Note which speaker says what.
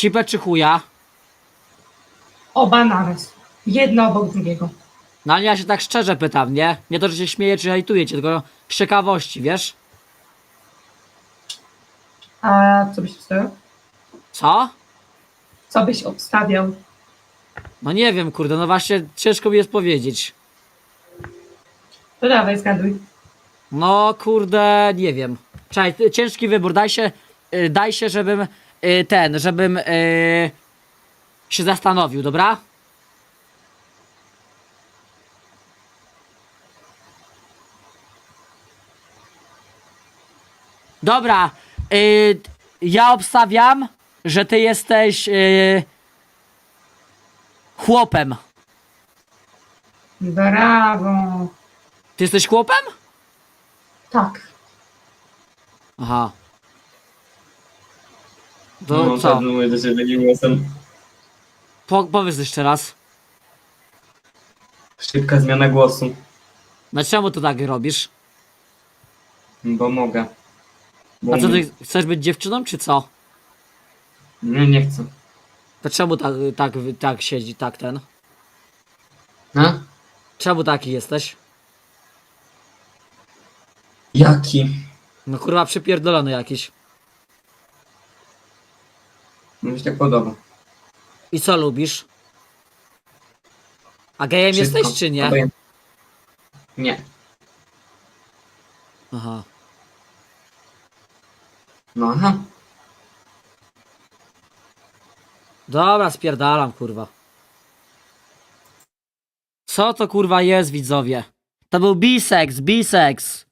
Speaker 1: Cipę czy chuja?
Speaker 2: Oba naraz. Jedno obok drugiego.
Speaker 1: No ale ja się tak szczerze pytam, nie? Nie to, że się śmieję czy hejtuję cię, tylko z ciekawości, wiesz?
Speaker 2: A co byś obstawiał?
Speaker 1: Co?
Speaker 2: Co byś obstawiał?
Speaker 1: No nie wiem, kurde, no właśnie ciężko mi jest powiedzieć.
Speaker 2: To dawaj, zgaduj.
Speaker 1: No kurde, nie wiem. Czekaj, ciężki wybór, daj się, żebym żebym się zastanowił, dobra? Dobra, ja obstawiam, że ty jesteś chłopem.
Speaker 2: Brawo.
Speaker 1: Ty jesteś chłopem?
Speaker 2: Tak.
Speaker 1: Aha. To
Speaker 3: No,
Speaker 1: co?
Speaker 3: tak mówię do ciebie takim głosem.
Speaker 1: Powiedz jeszcze raz.
Speaker 3: Szybka zmiana głosu,
Speaker 1: No czemu to tak robisz?
Speaker 3: bo mogę. Bo
Speaker 1: A co,
Speaker 3: umiem.
Speaker 1: ty chcesz być dziewczyną, czy co?
Speaker 3: Nie, nie chcę.
Speaker 1: To czemu tak siedzi, tak ten?
Speaker 3: A?
Speaker 1: Czemu taki jesteś?
Speaker 3: Jaki?
Speaker 1: No kurwa przypierdolony jakiś.
Speaker 3: Mi się tak podoba.
Speaker 1: I co lubisz? A gejem
Speaker 3: Wszystko.
Speaker 1: jesteś, czy nie?
Speaker 3: Obojętnie. Nie.
Speaker 1: Aha.
Speaker 3: No aha.
Speaker 1: Dobra, spierdalam, kurwa. Co to kurwa jest, widzowie? To był biseks.